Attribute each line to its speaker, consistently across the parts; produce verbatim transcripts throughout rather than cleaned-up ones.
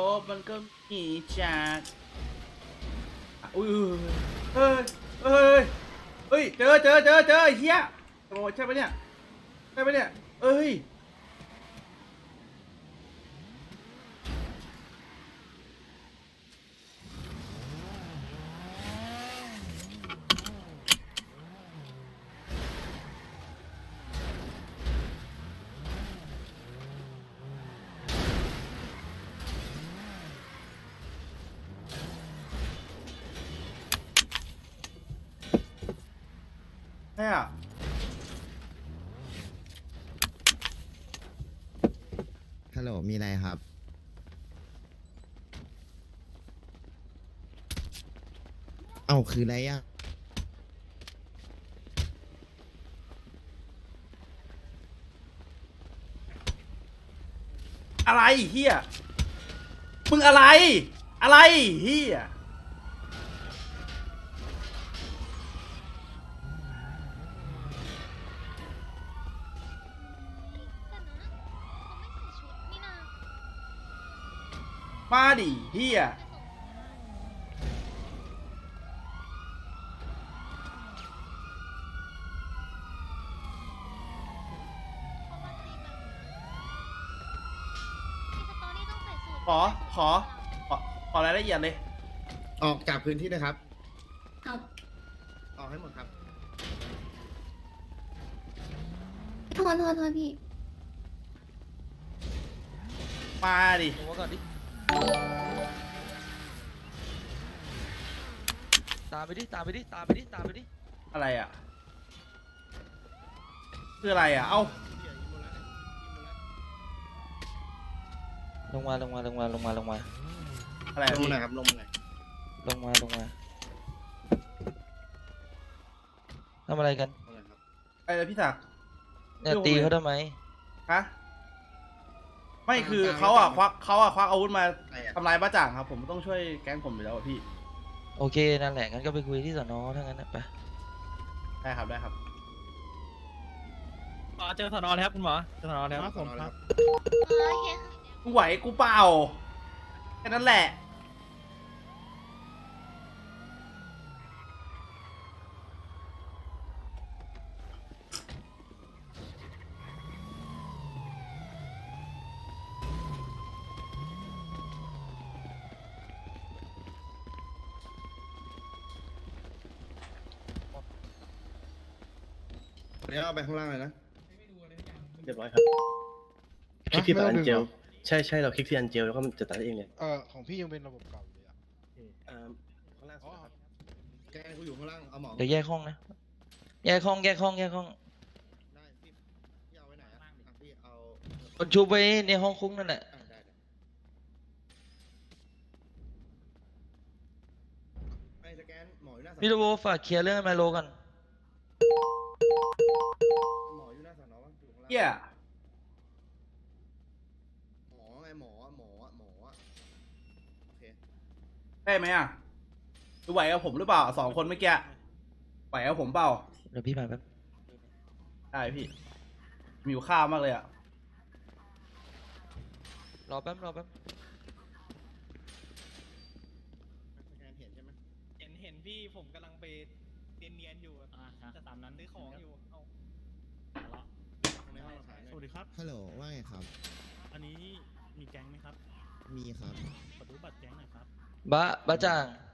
Speaker 1: บมันก็มีจากอุ้ยเฮ้ยเฮ้ยเฮ้ยเจอเจอเจอเจอไอ้เหี้ยโอ้ใช่ปะเนี่ยใช่ปะเนี่ยเอ้ยใช่อ่ะ
Speaker 2: ฮัลโหลมีอะไรครับเอ้าคืออะไรอ่ะ
Speaker 1: อะไรเหี้ยมึงอะไรอะไรเหี้ยมาดิเหี้ยขอขอขอขอรายละเอียดเลย
Speaker 2: ออกจากพื้นที่นะครับ
Speaker 3: ครับ
Speaker 2: ออกให้หมดครับ
Speaker 3: โทษโทษโทษพี่
Speaker 1: มาดิ
Speaker 4: ลงมาก่อนดิ ตามไปดิ ตามไปดิ ตามไปดิ ตามไปดิ
Speaker 1: อะไรอ่ะคืออะไรอ่ะเอ้า
Speaker 4: ลงมา ลงมา ลงมา ลงมา ลงมา
Speaker 1: อะไร
Speaker 2: ลง
Speaker 1: พี่
Speaker 2: มาหน่อยครับลงมาหน่อย
Speaker 4: ลงมา ลงมาทำอะไรกัน
Speaker 2: ลงมาหน่อยครับ
Speaker 1: อะไรพี่ศักดิ์
Speaker 4: เนี่ยตีเขาทำไม
Speaker 1: ฮะไม่คือเขาอ่ะควักเขาอ่ะควักอาวุธมา
Speaker 2: อะไรอ่ะ
Speaker 1: ทำลายบ้าจ่างครับ ผมต้องช่วยแก๊งผมอยู่แล้วอะพี่
Speaker 4: โอเค นั่นแหละ งั้นก็ไปคุยที่สนอถ้างั้นนะไป
Speaker 1: ได้ครับได้ครับ
Speaker 5: หมอเจอสนอแล้วครับคุณหมอเจอสนอแล้วครับผมครับ
Speaker 1: กูไหวกูเปล่าแค่นั้นแหละ
Speaker 2: เดี๋ยวเอาไปข้างล่างเลยนะ
Speaker 6: เรียบร้อยครับคลิกที่อันเจลใช่ใช่เราคลิกที่อันเจลแล้วก็มันจะตัดเองเลย
Speaker 7: เออของพี่ยังเป็นระบบเก่าอยู่เลยอ่ะ
Speaker 6: อ่าข้างล่างสุดครับ
Speaker 2: แกกูอยู่ข้างล่าง เอาหมอ
Speaker 4: เดี๋ยวแยกห้องนะ แยกห้อง แยกห้อง แยกห้อง
Speaker 2: ได้พี่พี่เอาไว้ไหนอ่ะอ่ะพี่เอา
Speaker 4: คนชุบไว้ในห้องคุ้งนั่นแหละ
Speaker 2: อ่ะได้ได้ไอ้สแกนหมออยู่หน้าสอน
Speaker 4: พี่โรโบฝากเคลียร์เรื่องไมโลกัน
Speaker 2: หมออยู่หน้าสอนอวะอยู่ข้างล่าง
Speaker 1: เหี้ย
Speaker 2: หมอไงหมอหมอหมอโอเค
Speaker 1: ได้ไหมอ่ะดูไหวกับผมหรือเปล่าสองคนเมื่อกี้ไหวกับผมเปล่า
Speaker 4: เดี๋ยวพี่มาแป๊บ
Speaker 1: ได้พี่มีอยู่ข้าวมากเลยอ่ะ
Speaker 4: รอแป๊บ รอแป๊บ
Speaker 2: สแกนเห็นใช่ไหม
Speaker 5: เห็นเห็นพี่ผมกำลังไปเนียนๆอยู่จะตามนั้นซื้อของอยู่เอา
Speaker 2: ในห้องเราถ่ายหน่
Speaker 7: ส
Speaker 2: อย
Speaker 7: วัสดีครับ
Speaker 2: ฮัลโหลว่าไงครับ
Speaker 7: อันนี้มีแก๊งไหมครับ
Speaker 2: มีครับ
Speaker 7: ขอดูบัตรแก๊งหน่อยครับ
Speaker 4: บะบะจ่าง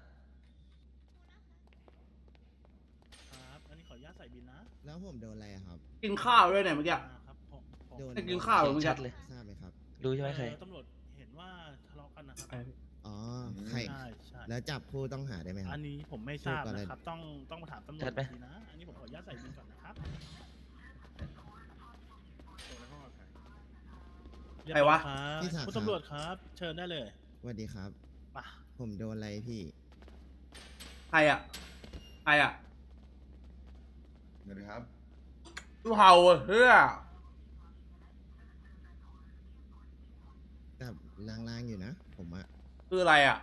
Speaker 7: ครับ อันนี้ขออนุญาตใส่บินนะ
Speaker 2: แล้วผมโดนอะไรอะครับ
Speaker 1: กินข้าวด้วยเนี่ยเมื่อกี้
Speaker 7: อ่าครับผมผม
Speaker 2: โดน
Speaker 1: ได้กินข้าวเหรอมึง
Speaker 4: ชั
Speaker 1: จะ
Speaker 4: ดเลย
Speaker 2: ทราบไหมครับ
Speaker 4: รู้ใช่ไหมใคร
Speaker 7: เอ่อตำรวจเห็นว่าทะเลาะกันนะครับ
Speaker 2: อ๋อ ใคร
Speaker 7: ใช่ใช่
Speaker 2: แล้วจับผู้ต้องหาได้ไหมครั
Speaker 7: อั
Speaker 2: บ
Speaker 7: นนี้ผมไม่ทราบ
Speaker 2: พูดก่อนเลย
Speaker 7: นะครับ ต้องต้องมาถามตำรว
Speaker 4: ชั
Speaker 7: จ
Speaker 4: ดไหม
Speaker 7: ดีนะ อันนี้ผมขออนุญาตใส่บินก่อนนะครับ
Speaker 1: ใครวะ
Speaker 7: เรียบร้อยครับ
Speaker 2: พี่ศักดิ์
Speaker 7: คุณตำรวจครับ เชิญได้เลย
Speaker 2: สวัสดีครับ
Speaker 7: ป่ะ
Speaker 2: ผมโดนอะไรพี่
Speaker 1: ใครอ่ะใครอ่ะ
Speaker 2: สวัสดีครับ
Speaker 1: ดูเห่าอะเฮ้ย
Speaker 2: กับลางๆอยู่นะ ผมอะ
Speaker 1: คืออะไรอ่ะ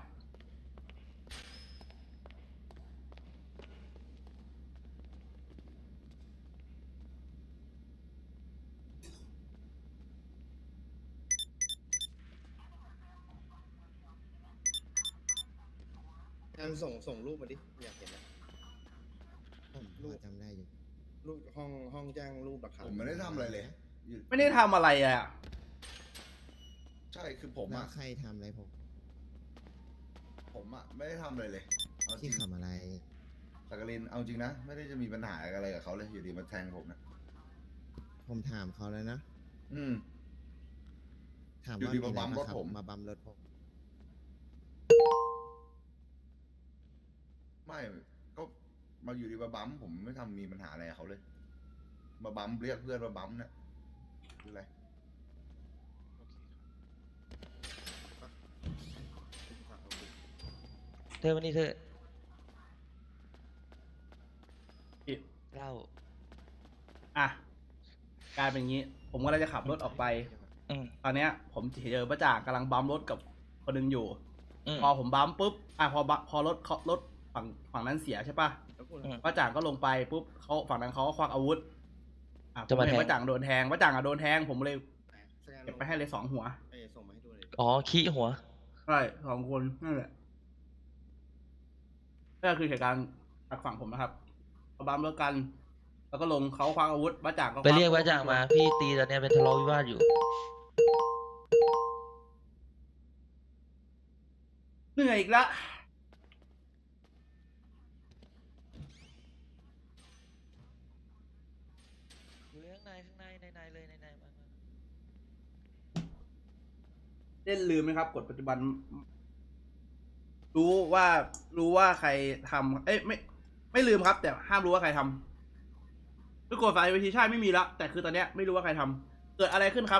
Speaker 2: อันส่งส่งรูปมาดิอยากเห็นนะ
Speaker 8: ผมพอจำได้อยู่
Speaker 2: รูปห้องห้องแจ้งรูปหลักฐาน
Speaker 9: ผมไม่ได้ทำอะไรเลยอยู่
Speaker 1: ไม่ได้ทำอะไรอ่ะ
Speaker 9: ใช่คือผม
Speaker 8: แล้ว
Speaker 9: อะ
Speaker 8: ใครทำอะไรผม
Speaker 9: ผมอะไม่ได้ทำอะไรเลยเอาจริ
Speaker 8: ที่
Speaker 9: ง
Speaker 8: ทำอะไร
Speaker 9: สักกลินเอาจริงนะไม่ได้จะมีปัญหาอะไรกับเขาเลยอยู่ดีมาแทงผมนะ
Speaker 8: ผมถามเขาแล้วนะ
Speaker 9: อืม
Speaker 8: ถาม
Speaker 9: อยู่
Speaker 8: ว่า
Speaker 9: ดี
Speaker 8: มี
Speaker 9: มา
Speaker 8: อะไร
Speaker 9: บัมรถ
Speaker 8: มาขับ
Speaker 9: ผม
Speaker 8: มาบัมรถผม
Speaker 9: ไม่ก็มาอยู่ดีมาบัมผมไม่ทำมีปัญหาอะไรกับเขาเลย มาบัมเรียกเพื่อนมาบัมเนี่ยคืออะไร
Speaker 4: เธอวันนี้เธอ
Speaker 1: พี่
Speaker 4: เล่า
Speaker 1: อ่ะกลายเป็นอย่างนี้ ผมก็เลยจะขับรถออกไป
Speaker 4: อืม
Speaker 1: ตอนเนี้ย ผมเจอป้าจ่างกำลังบัมรถกับคนหนึงอยู่
Speaker 4: อืม
Speaker 1: พอผมบัมปุ๊บ อ่ะพอบัมพอรถเขารถฝั่งฝั่งนั้นเสียใช่ปะ
Speaker 4: อืม
Speaker 1: ป้าจ่างก็ลงไปปุ๊บเขาฝั่งนั้นเขาก็ควักอาวุธ อ่ะผ
Speaker 4: จะ
Speaker 1: ม
Speaker 4: มา
Speaker 1: เห็น
Speaker 4: แทง
Speaker 1: ป้าจ่างโดนแทงป้าจ่างอ่ะโดนแทง ผมเลย
Speaker 2: สแกน
Speaker 1: เก็บไปให้เลยสองหัว
Speaker 2: เอ้ยส่งมาให้ดูเลย
Speaker 4: อ๋อขี้หัว
Speaker 1: ใช่สองคนนั่นแหละนั่นก็คือเหตุการณ์จากฝั่งผมนะครับเขาบัมรถกัน แล้วก็ลงเขาคว้าอาวุธป้าจ่างก็
Speaker 4: ไปเรียกว่าจ่างมา พี่ตีตอนเนี้ยเป็นทะเลาะวิวาทอยู่
Speaker 1: เหนื่อยอีกละ
Speaker 4: อยู่ข้างในข้างในในในเลยในในมามา
Speaker 1: เล่นลืมไหมครับกฎปัจจุบัน รู้ว่ารู้ว่าใครทำเอ้ยไม่ไม่ลืมครับ แต่ห้ามรู้ว่าใครทำคือกฎฝ่ายวิธีชาติไม่มีละแต่คือตอนเนี้ยไม่รู้ว่าใครทำเกิดอะไรขึ้นครับ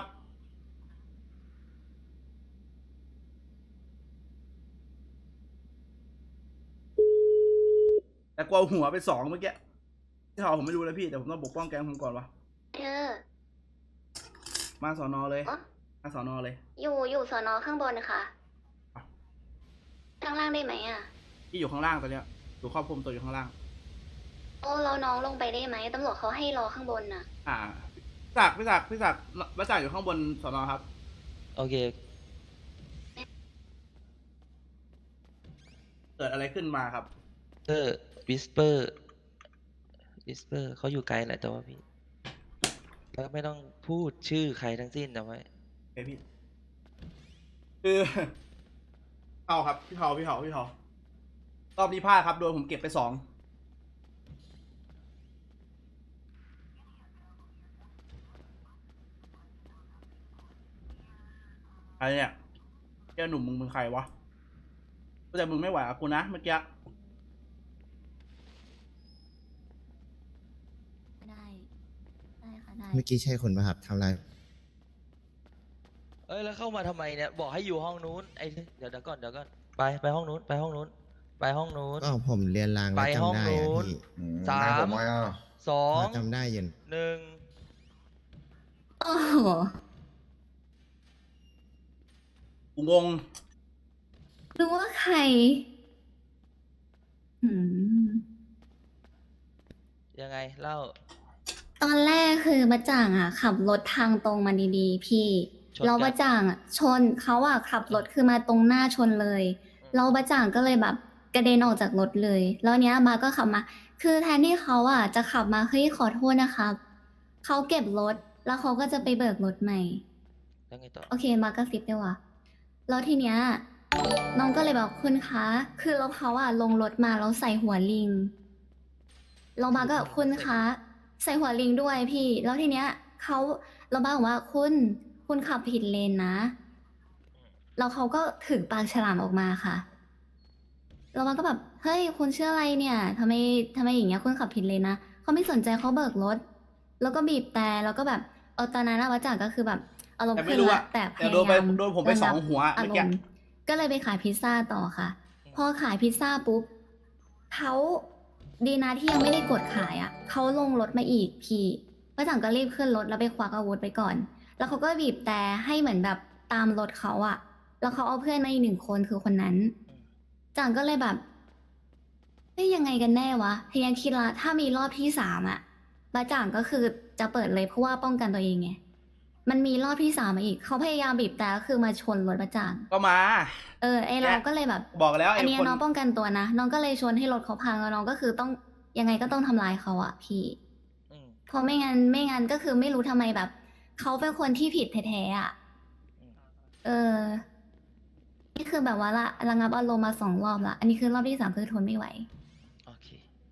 Speaker 1: แต่กลัวหัวไปสองเมื่อกี้ที่เขาผมไม่รู้เลยพี่แต่ผมต้องปกป้องแก๊งผมก่อนวะ
Speaker 3: เธอ
Speaker 1: มาสอนอเลย
Speaker 3: อ๋อ
Speaker 1: มาสอนอเลย
Speaker 3: อยู่อยู่สอนอข้างบนค่ะ
Speaker 1: อ่ะ
Speaker 3: ข้างล่างได้ไหมอ่ะ
Speaker 1: ที่อยู่ข้างล่างตอนเนี้ยอยู่ครอบคลุมตัวอยู่ข้างล่าง
Speaker 3: โอ้เราน้องลงไปได้ไหมตำรวจเขาให้รอข้างบนน่ะ
Speaker 1: อ่าพี่ศักดิ์พี่ศักดิ์พี่ศักดิ์มาจ่ายอยู่ข้างบนสอนอครับ
Speaker 4: โอเค
Speaker 1: เกิดอะไรขึ้นมาครับ
Speaker 4: เตอร์วิสเปอร์วิสเปอร์เขาอยู่ไกลแหละแต่ว่าพี่ แล้วไม่ต้องพูดชื่อใครทั้งสิ้นนะไว้
Speaker 1: เอ้ยพี่คือ เอาครับพี่เผาพี่เผาพี่เผารอบนี้พลาดครับโดนผมเก็บไปสองอะไรเนี่ยเจ้าหนุ่มมึงเป็นใครวะแต่มึงไม่ไหวกับกูนะเมื่อกี้
Speaker 3: ได้ ได้ค่ะได้
Speaker 8: เมื่อกี้ใช่คนป่ะครับทำอะไร
Speaker 4: เอ้ยแล้วเข้ามาทำไมเนี่ยบอกให้อยู่ห้องนู้นไอ้เดี๋ยวเดี๋ยวก่อนเดี๋ยวก่อนไปไปห้องนู้นไปห้องนู้นไปห้องนู้น
Speaker 8: ก็ผมเรียนรางแล้ว
Speaker 4: ไปห้อง
Speaker 8: จำได้
Speaker 4: นู้
Speaker 8: อะ
Speaker 4: น
Speaker 8: พี่
Speaker 9: อืม
Speaker 4: สาม
Speaker 9: นายผมมาอ่ะ
Speaker 4: สอง
Speaker 8: จำได้อยิน
Speaker 4: หนึ่ง
Speaker 3: โอ้โห
Speaker 1: กูงง
Speaker 3: รู้ว่าใคร อืม
Speaker 4: ยังไงเล่า
Speaker 3: ตอนแรกคือบัจจ่างอ่ะ ขับรถทางตรงมาดีๆ พี่
Speaker 4: ชนกัน
Speaker 3: แล้วบัจจ่างอ่ะ ชนเขาอ่ะขับรถคือมาตรงหน้าชนเลยแล้วบัจจ่างก็เลยแบบกระเด็นออกจากรถเลย แล้วเนี้ยมาก็ขับมา คือแทนที่เขาอ่ะจะขับมาเฮ้ยขอโทษนะครับเขาเก็บรถแล้วเขาก็จะไปเบิกรถใหม่
Speaker 4: แล้วไงต่อ
Speaker 3: โอเคมาก็ซิปดีกว่าแล้วทีเนี้ยน้องก็เลยบอกคุณคะ คือเราเขาอะลงรถมาแล้วใส่หัวลิง เรามาก็คุณคะ ใส่หัวลิงด้วยพี่ แล้วทีเนี้ยเขาเราบ้าบอกว่าคุณคุณขับผิดเลนนะ แล้วเขาก็ถึงปากฉลามออกมาค่ะ เรามาก็แบบเฮ้ยคุณเชื่ออะไรเนี่ยทำไมทำไมอย่างเงี้ยคุณขับผิดเลนนะเขาไม่สนใจเขาเบิกรถ แล้วก็บีบแต่แล้วก็แบบเออตอนนั้นนะวัจจากก็คือแบบอารมณ์
Speaker 1: แต่ไม่
Speaker 3: ขึ้น
Speaker 1: รู้
Speaker 3: ละ
Speaker 1: อะ
Speaker 3: แต่พ
Speaker 1: แต่
Speaker 3: ยา
Speaker 1: โดนไป
Speaker 3: ยาม
Speaker 1: โดนผมไป
Speaker 3: ระ
Speaker 1: ส
Speaker 3: งั
Speaker 1: อบ งหัว
Speaker 3: อา
Speaker 1: เมื่อ
Speaker 3: ร
Speaker 1: กี้
Speaker 3: มณ์ก็เลยไปขายพิซซ่าต่อค่ะ พอขายพิซซ่าปุ๊บเขาดีนะที่ยังไม่ได้กดขายอ่ะเขาลงรถมาอีกพี่ป้าจังก็รีบขึ้นรถแล้วไปควักอาวุธไปก่อน แล้วเขาก็บีบแต่ให้เหมือนแบบตามรถเขาอ่ะ แล้วเขาเอาเพื่อนมาอีกหนึ่งคนคือคนนั้น จังก็เลยแบบเฮ้ยยังไงกันแน่วะพยายามคิดละถ้ามีรอบที่สามอ่ะป้าจังก็คือจะเปิดเลยเพราะว่าป้องกันตัวเองไงมันมีรอบที่สามมาอีก เขาพยายามบีบแต่ก็คือมาชนรถประจาง
Speaker 1: ก็มา
Speaker 3: เออไอเราก็เลยแบบ
Speaker 1: บอกแล้ว
Speaker 3: อั
Speaker 1: ไอ้
Speaker 3: นเนี้ย
Speaker 1: คน
Speaker 3: น้องป้องกันตัวนะ น้องก็เลยชนให้รถเขาพังแล้วน้องก็คือต้องยังไงก็ต้องทำลายเขาอะพี่
Speaker 4: อืม
Speaker 3: เพราะไม่งั้นไม่งั้นก็คือไม่รู้ทำไมแบบ เขาเป็นคนที่ผิดแท้ๆอะ
Speaker 4: อืม
Speaker 3: เออ นี่คือแบบว่าละระงับอารมณ์มาสองรอบละ อันนี้คือรอบที่สามคือทนไม่ไหว
Speaker 4: โอเค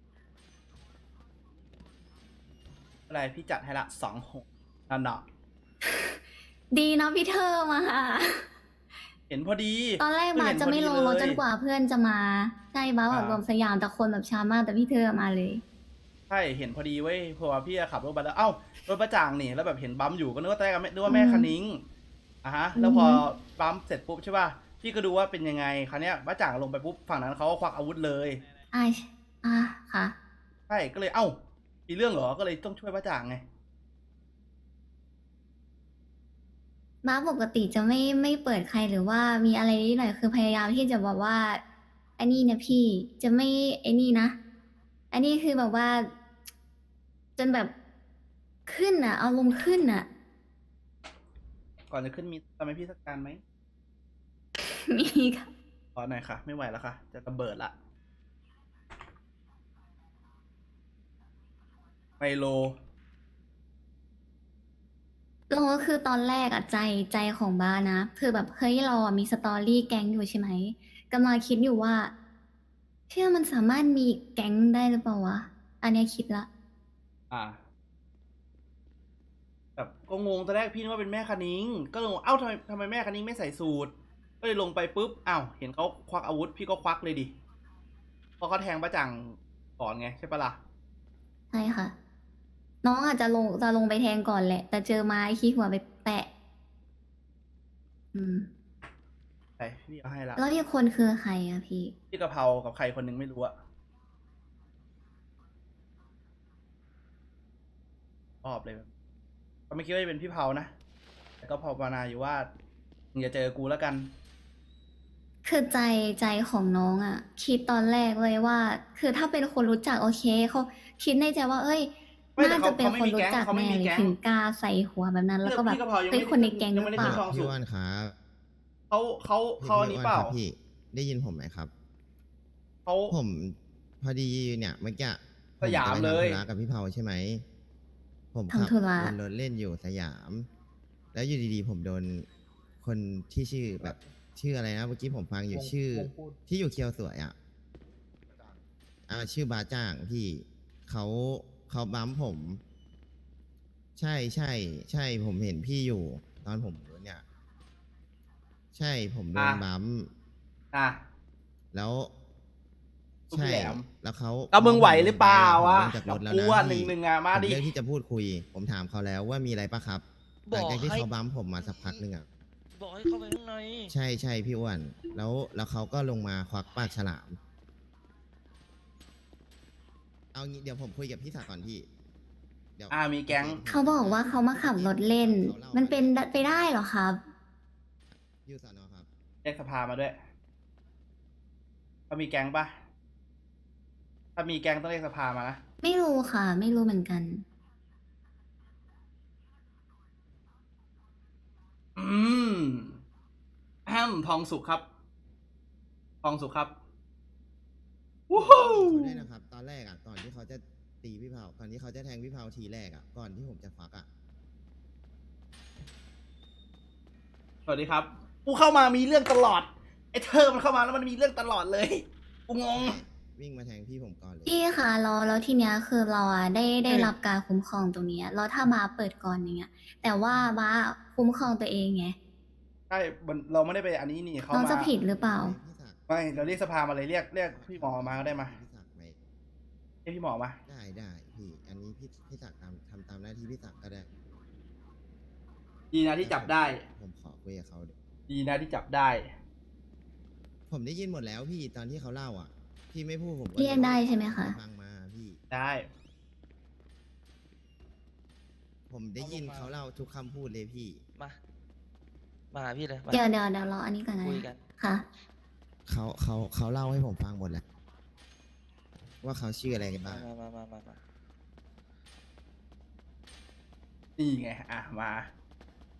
Speaker 1: อะไรพี่จัดให้ละสองหกนั่นเนาะ
Speaker 3: ดีนะพี่เธอมา
Speaker 1: เห็นพอดี
Speaker 3: ตอนแรก
Speaker 1: เพิ่
Speaker 3: บา
Speaker 1: เห็
Speaker 3: จะไม่ลงรถจนก
Speaker 1: ว่า
Speaker 3: ว่าเพื่อนจะมาใช่บ้าแบบ
Speaker 1: อ่าร
Speaker 3: วมสยามแต่คนแบบช้ามากแต่พี่เธอมาเลย
Speaker 1: ใช่เห็นพอดีเว้ยเพราะว่าพี่อะขับรถไปแล้วเอ้ารถประจ่างนี่แล้วแบบเห็นบัมอยู่ก็นึกว่าแต้นึกว่าแม่
Speaker 3: อืม
Speaker 1: คันนิ้งอ่ะฮะ แล้วพอ
Speaker 3: อือฮึ
Speaker 1: บัมเสร็จปุ๊บใช่ป่ะพี่ก็ดูว่าเป็นยังไงคราวเนี้ยประจ่างลงไปปุ๊บฝั่งนั้นเขาก็ควักอาวุธเลย
Speaker 3: อ่าอ่าค่ะ
Speaker 1: ใช่ก็เลยเอ้ามีเรื่องเหรอก็เลยต้องช่วยประจ่างไง
Speaker 3: บ้าปกติจะไม่ไม่เปิดใครหรือว่ามีอะไรนิดหน่อยคือพยายามที่จะบอกว่าอันนี้นะพี่จะไม่ไอ้นี่นะ อันนี้คือแบบว่า จนแบบขึ้นอ่ะเอาลมณ์ขึ้นอ่ะ
Speaker 1: ก่อนจะขึ้นมีทำให้พี่สักการไหม
Speaker 3: มีค่ะ
Speaker 1: ขอหน่อยค่ะ ไม่ไหวแล้วค่ะ จะระเบิดละไมโล
Speaker 3: เราก็คือตอนแรกอะใจใจของบ้านะคือแบบเฮ้ยเราอะมีสตอรี่แก๊งอยู่ใช่ไหมกำลังคิดอยู่ว่าเชื่อมันสามารถมีแก๊งได้หรือเปล่าวะ อันเนี้ยคิดละ
Speaker 1: อ่าแบบก็งงตอนแรกพี่นึกว่าเป็นแม่คณิงก็เลยงงเอ้าทำไมทำไมแม่คณิงไม่ใส่สูตรก็เลยลงไปปุ๊บอ้าวเห็นเขาควักอาวุธพี่ก็ควักเลยดิเพราะเขาแทงประจังก่อนไงใช่ปะล่ะ
Speaker 3: ใช่ค่ะ น้องอาจจะลงจะลงไปแทงก่อนแหละ แต่เจอไม้ขี้หัวไปแปะ อืม
Speaker 1: ใช่พี่เอาให้ละ
Speaker 3: แล้วที่คนคือใครอะพี่
Speaker 1: พี่กะเพรากับใครคนหนึงไม่รู้อะชอบเลยก็ไม่คิดว่าจะเป็นพี่เผานะแต่ก็ภาวนาอยู่ว่ามึงอย่าเจอกูแล้วกัน
Speaker 3: คือใจใจของน้องอะคิดตอนแรกเลยว่า คือถ้าเป็นคนรู้จักโอเคเขาคิดในใจว่า เอ้ย
Speaker 1: ไม่แต่
Speaker 3: น่า
Speaker 1: เขา
Speaker 3: จะเป็น
Speaker 1: เขาไม่
Speaker 3: คน
Speaker 1: มี
Speaker 3: รู้
Speaker 1: แก๊ง
Speaker 3: จัก
Speaker 1: เขาไม่
Speaker 3: แน่
Speaker 1: มี
Speaker 3: เลย
Speaker 1: แก๊ง
Speaker 3: ถึงกล้าใส่หัวแบบนั้น แล้วก็แบบ
Speaker 1: พี่กะเพรายังไม่
Speaker 3: เฮ้ยคนในแก๊งห
Speaker 1: ยั
Speaker 3: รื
Speaker 1: งไม่
Speaker 3: อ
Speaker 1: ได้
Speaker 3: เป
Speaker 1: ขึ้
Speaker 3: ล่า
Speaker 1: นทองสุ
Speaker 8: พี่
Speaker 1: ก
Speaker 8: อ้วนครับ
Speaker 1: เขาเขาเขาอัน
Speaker 8: พี่
Speaker 1: นี้
Speaker 8: อ้วน
Speaker 1: เปล่า
Speaker 8: ครับพี่ได้ยินผมไหมครับ
Speaker 1: เขา
Speaker 8: ผมพอดีเนี่ยเมื่อกี้
Speaker 1: สยามเลย
Speaker 8: ผจะไปทำธุระกับพี่เผาใช่ไหม ผมขั
Speaker 3: ทำธุระ
Speaker 8: วนรถเล่นอยู่สยาม แล้วอยู่ดีๆ ผมโดนคนที่ชื่อแบบชื่ออะไรนะเมื่อกี้ผมฟังอยู่ชื่อ ที่อยู่เคียวสวยอ่ะอ่าชื่อบาจ้างพี่เขาเขาบัมผม ใช่ใช่ใช่ผมเห็นพี่อยู่ ตอนผมเนี่ย ใช่ผมโดน
Speaker 1: อ่ะ
Speaker 8: บัม
Speaker 1: อ่ะ
Speaker 8: แล้ว
Speaker 1: ลูก
Speaker 8: ใช่
Speaker 1: แหลม
Speaker 8: แล้วเขา
Speaker 1: ก็มึงไหวหรือเปล่าวะ
Speaker 8: ผมลงจากร
Speaker 1: กับ
Speaker 8: ถแล้ว
Speaker 1: กู
Speaker 8: นะ
Speaker 1: อ่ะห
Speaker 8: พี่
Speaker 1: นึ่งหนึ่งอ่ะมา
Speaker 8: ผม
Speaker 1: ดิ
Speaker 8: เลือกที่จะพูดคุย ผมถามเขาแล้วว่ามีอะไรปะครับห
Speaker 4: บ
Speaker 8: ลั
Speaker 4: อง ก
Speaker 8: จากที่
Speaker 4: ให้
Speaker 8: เขาบัมผมมาสักพักหนึ่งอ่ะ
Speaker 4: บอกให้เข้าไปข้างใน
Speaker 8: ใช่ใช่พี่อ้วน แล้วแล้วเขาก็ลงมาควักปากฉลาม เอางี้เดี๋ยวผมคุยกับพี่ศักดิ์ก่อนพี่เดี๋ยว
Speaker 1: อ่ามีแก๊ง
Speaker 3: เขาบอกว่าเขามาขับรถเล่น มันเป็นไปได้เหรอครับ
Speaker 8: อยู่สอนอครับ
Speaker 1: เรียกสภามาด้วยเขามีแก๊งปะถ้ามีแก๊งต้องเรียกสภามานะ
Speaker 3: ไม่รู้ค่ะ ไม่รู้เหมือนกัน
Speaker 1: อืมแอมทองสุกครับ ทองสุกครับวู้ฮู้
Speaker 8: เขาด้วยนะครับ ตอนแรกอ่ะ ก่อนที่เขาจะตีพี่เผาก่อนที่เขาจะแทงพี่เผาทีแรกอ่ะ ก่อนที่ผมจะควักอ่ะ
Speaker 1: สวัสดีครับ กูเข้ามามีเรื่องตลอด ไอ้เธอมันเข้ามาแล้วมันมีเรื่องตลอดเลย กูงง
Speaker 8: วิ่งมาแทงพี่ผมก่อนเลย
Speaker 3: พี่คะเราแล้วทีเนี้ยคือเราอะได้ได้
Speaker 1: อืม
Speaker 3: รับการคุ้มครองตรงเนี้ยแล้วถ้ามาเปิดก่อนอย่างเงี้ย แต่ว่าบ้าคุ้มครองตัวเองไง
Speaker 1: ใช่มันเราไม่ได้ไปอันนี้นี่เขา
Speaker 3: น้อง
Speaker 1: มา
Speaker 3: จะผิดหรือเปล่า
Speaker 8: พี่ศักดิ์
Speaker 1: ไม่เราเรียกสภามาเลยเรียกเรียกพี่หมอมาก็ได้มา
Speaker 8: พี่ศักดิ์ไหม
Speaker 1: เรียกพี่หมอมา
Speaker 8: ได้ได้พี่ อันนี้พี่พี่ศักดิ์ตามทำตามหน้าที่พี่ศักดิ์ก็ได้
Speaker 1: ดีนะที่จับได้
Speaker 8: ผมขอคุยกับเขาดิ
Speaker 1: ดีนะที่จับได้
Speaker 8: ผมได้ยินหมดแล้วพี่ตอนที่เขาเล่าอ่ะ พี่ไม่พูดผมก็
Speaker 3: เรียกได้ใช่ไหมคะ
Speaker 8: ฟังมาพี่
Speaker 1: ได้
Speaker 8: ผมได้ยินเขาเล่าทุกคำพูดเลยพี่
Speaker 4: มา มาหาพี่เลยมา
Speaker 3: เดี๋ยวเดี๋ยวเดี๋ยวรออันนี้ก่อนนะ
Speaker 4: คุยกัน
Speaker 3: ค่ะ
Speaker 8: เขาเขาเขาเล่าให้ผมฟังหมดแล้ว ว่าเขาชื่ออะไรกัน
Speaker 4: มา
Speaker 8: บ้าง
Speaker 4: มามามามา
Speaker 1: นี่ไง อ่ะ มา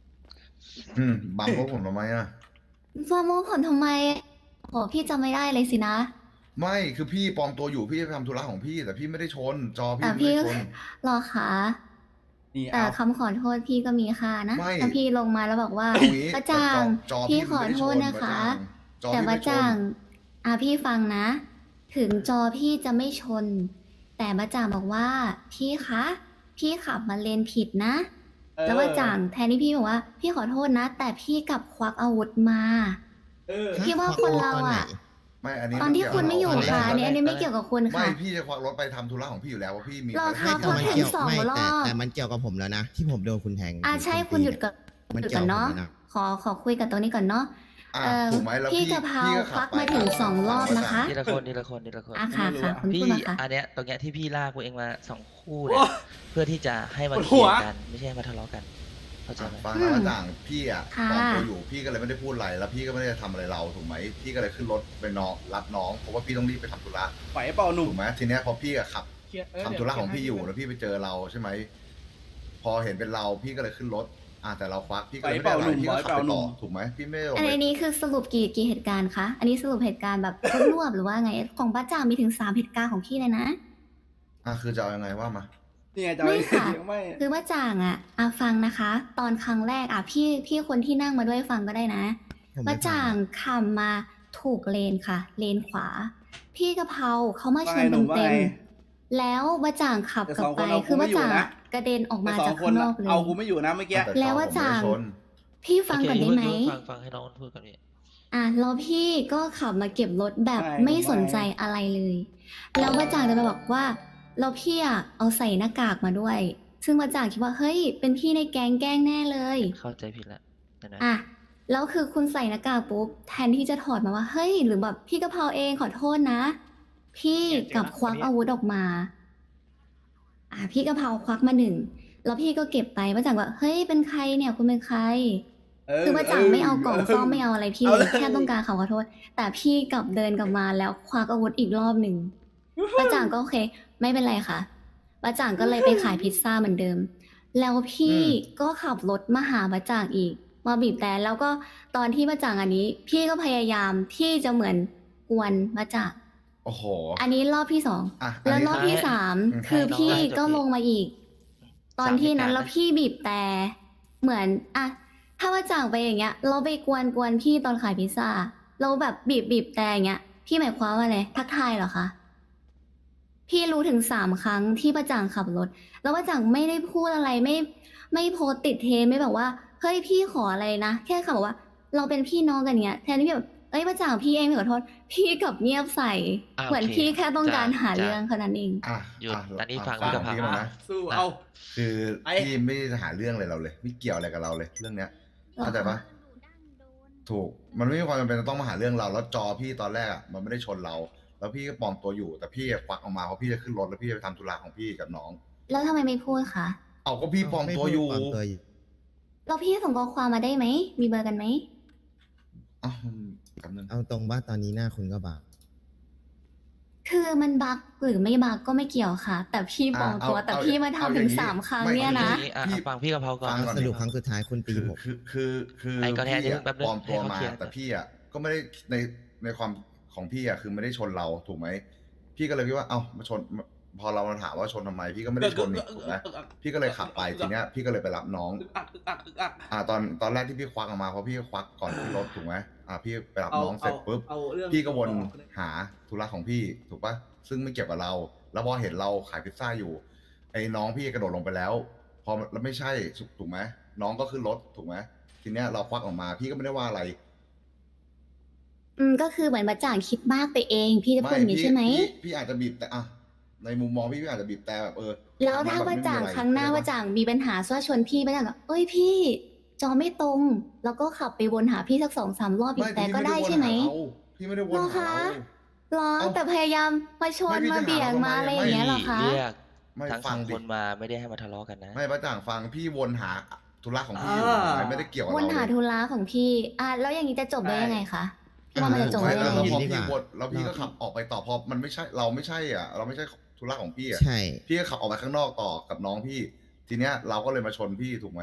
Speaker 9: อืมบัมพวกผมทำไมอ่ะ
Speaker 3: ฟอร์โมผลทำไมโหพี่จำไม่ได้เลยสินะ
Speaker 9: ไม่คือพี่ปลอมตัวอยู่พี่จะไปทำธุระของพี่ แต่พี่ไม่ได้ชน จอพี่
Speaker 3: แต่
Speaker 9: ไม่
Speaker 3: พี่
Speaker 9: ได้ชน
Speaker 3: รอคะ
Speaker 1: นี่
Speaker 3: แต่
Speaker 1: เอา
Speaker 3: คำขอโทษพี่ก็มีค่านะ
Speaker 9: ไม่
Speaker 3: ถ้าพี่ลงมาแล้วบอกว่า
Speaker 9: เอางี้
Speaker 3: ป้าจ่าง
Speaker 9: จอจอ
Speaker 3: พี่
Speaker 9: พี่
Speaker 3: ขอโทษ
Speaker 9: ไม่ได้ชน
Speaker 3: นะคะ
Speaker 9: จอ
Speaker 3: แต่
Speaker 9: พี่ไม่
Speaker 3: ป้า
Speaker 9: ชน
Speaker 3: จ่างอ่ะพี่ฟังนะ ถึงจอพี่จะไม่ชน แต่ป้าจ่างบอกว่า พี่คะ พี่ขับมาเลนผิดนะ
Speaker 1: เออ
Speaker 3: แล้วป้าจ่างแทนที่พี่บอกว่า พี่ขอโทษนะ แต่พี่กลับควักอาวุธมา
Speaker 1: เออ
Speaker 3: พี่ว่าคนเราอะ
Speaker 9: ไม่อันนี้
Speaker 3: ตอนที่คุณไม่อยู่
Speaker 9: เกี่ว
Speaker 3: ค่ะ
Speaker 9: กับ
Speaker 3: อันนี้อันนี้ไม่เกี่ยวกับคุณ
Speaker 9: ไม่
Speaker 3: ค่ะ
Speaker 9: พี่จะควักรถไปทำธุระของพี่อยู่แล้วว่าพี่มี
Speaker 3: รอ
Speaker 9: ภาร
Speaker 3: ครั
Speaker 9: กิ
Speaker 3: บ
Speaker 9: จ
Speaker 8: ไม่แต่มันเกี่ยว
Speaker 3: สอง
Speaker 8: ไม่
Speaker 3: ร
Speaker 8: แต่
Speaker 3: อบ
Speaker 8: แต่มันเกี่ยวกับผมแล้วนะ ที่ผมโดนคุณแทง
Speaker 3: อ่ะใช่
Speaker 8: ณ
Speaker 3: คุณหยุดก่อน
Speaker 8: มัน
Speaker 3: หยุด
Speaker 8: เกี่ย
Speaker 3: ก่
Speaker 8: ว
Speaker 3: อน
Speaker 8: กับผม
Speaker 3: เนาะ
Speaker 8: แล้วนะ
Speaker 3: ขอขอคุยกับตัวนี้ก่อนเนาะ
Speaker 9: อ่ะ
Speaker 3: เอ่อ
Speaker 9: ถูกไหมแล้ว
Speaker 3: พี่
Speaker 9: พี่
Speaker 3: กะเพรา
Speaker 9: พี่ก็
Speaker 3: ค
Speaker 9: ขั
Speaker 3: วั
Speaker 9: บ
Speaker 3: ก
Speaker 9: ไป
Speaker 3: มาถึงสองรอบนะคะ
Speaker 4: ทีละคนทีละคนทีละคน
Speaker 3: อ่ะค่ะค่ะคุณ
Speaker 4: พี่
Speaker 3: พูดมาค่ะ
Speaker 4: อันเนี้ยตรงเนี้ยที่พี่ลากพวกเองมาสองคู่
Speaker 1: โอ้
Speaker 4: เนี่ยเพื่อที่จะให้มา
Speaker 1: ปวด
Speaker 4: เค
Speaker 1: หั
Speaker 4: ลี
Speaker 1: ว
Speaker 4: ยร์กันไม่ใช่ให้มาทะเลาะกันเข้าใจไหม
Speaker 9: ฟังนะว่าจ่างพี่อ่ะ
Speaker 3: ค่ะ
Speaker 9: ปลอมตัวอยู่พี่ก็เลยไม่ได้พูดอะไรแล้วพี่ก็ไม่ได้ทำอะไรเราถูกไหมพี่ก็เลยขึ้นรถไปน้องรับน้องเพราะว่าพี่ต้องรีบไปทำธุระ
Speaker 1: ไหวเปล่าหนุ่ม
Speaker 9: ถูกไหมทีเนี้ยพอพี่อะขับ
Speaker 5: เคลียร์เออ
Speaker 9: ทำธุระของพี่อยู่แล้วพี่ไปเจอเราใช่ไหมพอเห็นเป็นเราพี่ก็เลยขึ้นรถอ่ะแต่เราควักพี่ก็เลยไม่ได้อะไรพี่ก็ขับไปต่อถูกไหมพี่ไม่ได้ลง
Speaker 3: อัน
Speaker 9: ไป
Speaker 3: นี้คือสรุปกี่กี่เหตุการณ์คะ อันนี้สรุปเหตุการณ์แบบรวบๆหรือว่าไง ของป้าจ่างมีถึงสามเหตุการณ์ของพี่เลยนะ
Speaker 9: อ่ะคือจะเอายังไงว่ามา
Speaker 1: นี่ไงจะ
Speaker 3: ไม่ค่ะ
Speaker 1: ยังไม่
Speaker 3: คือป้าจ่างอ่ะอ่ะฟังนะคะ ตอนครั้งแรกอ่ะพี่พี่คนที่นั่งมาด้วยฟังก็ได้นะ
Speaker 8: ผมไม่
Speaker 3: ป้าจ่าง
Speaker 8: ฟัง
Speaker 3: ขับมาถูกเลนค่ะ เลนขวา พี่กะเพราเขามาช
Speaker 1: ว่าไง
Speaker 3: น
Speaker 1: หนุ่มว่า
Speaker 3: เต็ม
Speaker 1: ไง
Speaker 3: ๆแล้วป้าจ่างขับ
Speaker 1: แต่
Speaker 3: กลั
Speaker 1: ส
Speaker 3: บ
Speaker 1: องค
Speaker 3: ไป
Speaker 1: นเอา
Speaker 3: คือ
Speaker 1: กูไม่
Speaker 3: ป้า
Speaker 1: อยู่
Speaker 3: จ่าง
Speaker 1: นะ
Speaker 3: กระเด็นออกมา
Speaker 1: แต่สอ
Speaker 3: จาก
Speaker 1: งค
Speaker 3: ข้าน งน
Speaker 1: อะ
Speaker 3: อกเลย
Speaker 1: เอากูไม่อยู่นะเมื่อกี้
Speaker 9: แต่
Speaker 3: แล้ว
Speaker 9: ต่อ
Speaker 3: ว่า
Speaker 9: ผมไม่
Speaker 3: จ่าง
Speaker 9: ชน
Speaker 3: พี่ฟังก่อนได้ไหม
Speaker 4: โเคฟังฟังให้น้องพูดก่อนพี่
Speaker 3: อ่ะแล้วพี่ก็ขับมาเก็บรถแบบ
Speaker 1: ใช่
Speaker 3: ไม่
Speaker 1: ผมว่า
Speaker 3: สนใจอะไรเลย แล้วป้าจ่างจะไปบอกว่าแล้วพี่อ่ะเอาใส่หน้ากากมาด้วย ซึ่งป้าจ่างคิดว่าเฮ้ยเป็นพี่ในแก๊งแกล้งแน่เลย
Speaker 4: เข้าใจผิดละเดี๋ยวนะ
Speaker 3: อ่ะแล้วคือคุณใส่หน้ากากปุ๊บแทนที่จะถอดมาว่าเฮ้ยหรือแบบพี่กะเพราเองขอโทษนะ พี่กลับควักอาวุธออกมา อ่ะพี่กะเพราควักมาหนึ่งแล้วพี่ก็เก็บไปป้าจ่างว่าเฮ้ยเป็นใครเนี่ยคุณเป็นใคร
Speaker 1: เ
Speaker 3: คือป้าจ่างไม่เอากล่องซ่อมไม่เอาอะไรพี่
Speaker 1: เอา
Speaker 3: เล
Speaker 1: เลย ย
Speaker 3: แค่ต้องการขอโทษ แต่พี่กลับเดินกลับมาแล้วควักอาวุธอีกรอบหนึ่งป้าจ่างก็โอเค ไม่เป็นไรค่ะป้าจ่างก็เลยไปขายพิซซ่าเหมือนเดิม แล้วพี่ก็ขับรถมาหาป้าจ่างอีก มาบีบแต่แล้วก็ตอนที่ป้าจ่างอันนี้ พี่ก็พยายามที่จะเหมือนกวนป้าจ่าง
Speaker 9: โอ้โห
Speaker 3: อันนี้รอบที่สอง
Speaker 9: อ่ะ
Speaker 3: แล้ว
Speaker 9: นนี้
Speaker 3: รอบที่สาม
Speaker 9: อืม
Speaker 3: คือพี่
Speaker 4: ให้น้อง
Speaker 3: ก็ลงมาอีก ตอนที่นั้นแล้วพี่บีบแต่เหมือนอะถ้าว่าจ่างไปอย่างเงี้ย เราไปกวนกวนพี่ตอนขายพิซซ่า เราแบบบีบบีบแต่อย่างเงี้ย พี่หมายความว่าอะไรทักทายเหรอคะ พี่รู้ถึงสามครั้งที่ประจ่างขับรถ แล้วประจ่างไม่ได้พูดอะไรไม่ไม่โพสต์ติดเทรนด์ไม่แบบว่าเฮ้ยพี่ขออะไรนะแค่คำบอกว่า เราเป็นพี่น้องกันเงี้ยแทนที่แบบเอ้ยประจ่างพี่เองไม่ขอโทษ พี่กลับเงียบใส่
Speaker 4: อ่ะ
Speaker 3: เหมือน
Speaker 4: โอเค
Speaker 3: พี่แค่ต้องการ
Speaker 4: จ้ะ
Speaker 3: หา
Speaker 4: จ้ะ
Speaker 3: เรื่องแค่นั้นเอง
Speaker 9: อ่ะ
Speaker 4: หยุด
Speaker 9: ะ
Speaker 4: ตอนนี้
Speaker 9: ะ
Speaker 4: ฟัง
Speaker 9: ฟั
Speaker 4: พี่กะเพรา
Speaker 9: พี่ก่อนนะ
Speaker 1: สู้เอา
Speaker 9: คือ
Speaker 1: ไอ้
Speaker 9: พี่ไม่ได้หาเรื่องอะไรเราเลย ไม่เกี่ยวอะไรกับเราเลย เรื่องเนี้ยเข้าใจปะถูก มันไม่มีความจำเป็นจะต้องมาหาเรื่องเรา แล้วจอพี่ตอนแรกอะมันไม่ได้ชนเรา แล้วพี่ก็ปลอมตัวอยู่ แต่พี่ควักออกมาเพราะพี่จะขึ้นรถแล้วพี่จะไปทำธุระของพี่กับน้อง
Speaker 3: แล้วทำไมไม่พูดคะ
Speaker 9: เอาก็พี่ปลอมตัวอยู่
Speaker 8: ไม่พูดปลอมตัวอยู่
Speaker 3: แล้วพี่ส่งข้อความมาได้ไหมมีเบอร์กันไหม
Speaker 9: อ้าวมันกำนึง
Speaker 8: เอาตรงว่าตอนนี้หน้าคุณก็บาป
Speaker 3: คือมันบักหรือไม่บักก็ไม่เกี่ยวค่ะ แต่พี่ปลอมตัว
Speaker 9: อ่ะเอา
Speaker 3: แต่
Speaker 9: เอา
Speaker 3: พี่มา
Speaker 9: เอา
Speaker 3: ทำ
Speaker 9: อย่า
Speaker 3: ถึ
Speaker 9: ง
Speaker 3: ง
Speaker 9: นี้
Speaker 3: สามครั้ง
Speaker 9: ไม่
Speaker 3: เนี่ยนะ
Speaker 4: ทีนี้อ่ะ
Speaker 9: พี่
Speaker 4: ฟังพี่กะเพราก่อน
Speaker 9: ฟังก่อน
Speaker 8: สรุปครั้งสุดท้ายคุณตี
Speaker 9: คือ
Speaker 8: ผม
Speaker 9: คือคือคือ
Speaker 4: ไอ้ก็แทน
Speaker 9: พี่
Speaker 4: เดี๋ยว
Speaker 9: อะ
Speaker 4: แป๊บนึง
Speaker 9: ปลอมตัว
Speaker 4: ให้เขา
Speaker 9: มา
Speaker 4: เคลียร์
Speaker 9: แต่พี่อ่ะก็ไม่ได้ในในความของพี่อ่ะคือไม่ได้ชนเราถูกไหมพี่ก็เลยคิดว่าเอ้ามาชนพอเรามาถามว่าชนทำไม พี่ก็ไม่ได้ชนนี่ถูกไหมพี่ก็เลยขับไปทีเนี้ยพี่ก็เลยไปรับน้อง
Speaker 1: อึกอักอึกอักอึกอัก
Speaker 9: อ่าตอนตอนแรกที่พี่ควักออกมาเพราะพี่ควักก่อนขึ้นรถถูกไหมอ่าพี่ไปรับ
Speaker 1: เอา
Speaker 9: น้องเสร็จ
Speaker 1: เอา
Speaker 9: ปุ๊บ
Speaker 1: เอาเรื่อง
Speaker 9: พี่ก็วน
Speaker 1: ต่อเลย
Speaker 9: หาธุระของพี่ถูกปะซึ่งไม่เกี่ยวกับเรา แล้วพอเห็นเราขายพิซซ่าอยู่ ไอ้น้องพี่กระโดดลงไปแล้ว พอแล้วไม่ใช่ถูกไหมน้องก็ขึ้นรถถูกไหมทีเนี้ยเราควักออกมา พี่ก็ไม่ได้ว่าอะไร
Speaker 3: อืมก็คือเหมือนบัจจ่างคิดมากไปเอง พี่จะพูดอย่างนี้ใช่ไหม
Speaker 9: พี่พี่อาจจะบีบแต่อะในมุมมองพี่พี่อาจจะบีบแต่แบบเออ
Speaker 3: แล้วถ้า
Speaker 9: แบบ
Speaker 3: บั
Speaker 9: ไม่
Speaker 3: จ
Speaker 9: มี
Speaker 3: จ่าง
Speaker 9: อะไร
Speaker 3: ครั้งหน้า
Speaker 9: เข้
Speaker 3: บัจ
Speaker 9: ใจปะ
Speaker 3: จ่างมีปัญหาว่าชนพี่บัจจ่างก็เอ้ยพี่ จอไม่ตรง แล้วก็ขับไปวนหาพี่สักสองสามรอบอีกแต่ก็ได้ใช่ไหม
Speaker 9: พี่ไม่ได้วน
Speaker 3: เหรอ
Speaker 9: หา
Speaker 3: คะ
Speaker 9: เรา
Speaker 3: หรอ
Speaker 9: เอ้า
Speaker 3: แต่พยายามมาชน
Speaker 9: ไม่พี่
Speaker 3: มา
Speaker 9: จะหา
Speaker 3: เบี่ยง
Speaker 9: ทำไม
Speaker 3: มาอะไร
Speaker 9: ไม่
Speaker 3: อย่างเงี้ยเหรอคะ
Speaker 4: เรียก
Speaker 9: ไม่
Speaker 4: ทั้ง
Speaker 9: ฟั
Speaker 4: สอง ง
Speaker 9: ดิ
Speaker 4: คนมาไม่ได้ให้มาทะเลาะกันนะ
Speaker 9: ไม่ป้าจ่างฟังพี่วนหาธุระของพี่อยู่
Speaker 1: อ่า
Speaker 9: ไม่ได้เกี่ยวกับ
Speaker 3: วน
Speaker 9: เรา
Speaker 3: หา
Speaker 9: เลย
Speaker 3: ธุระของพี่ อ่ะแล้วอย่างนี้จะจบได้ยังไงคะพี่ว่ามันจะจบ
Speaker 9: ไม่
Speaker 3: ได้
Speaker 9: แล้
Speaker 3: ยั
Speaker 9: ว
Speaker 3: งไง
Speaker 9: พอพี่วนแล้วพี่ก็ขับออกไปต่อพอมันไม่ใช่เราไม่ใช่อ่ะ เราไม่ใช่ธุระของพี่อ่ะ
Speaker 8: ใช่
Speaker 9: พี่ก็ขับออกไปข้างนอกต่อกับน้องพี่ ทีเนี้ยเราก็เลยมาชนพี่ถูกไหม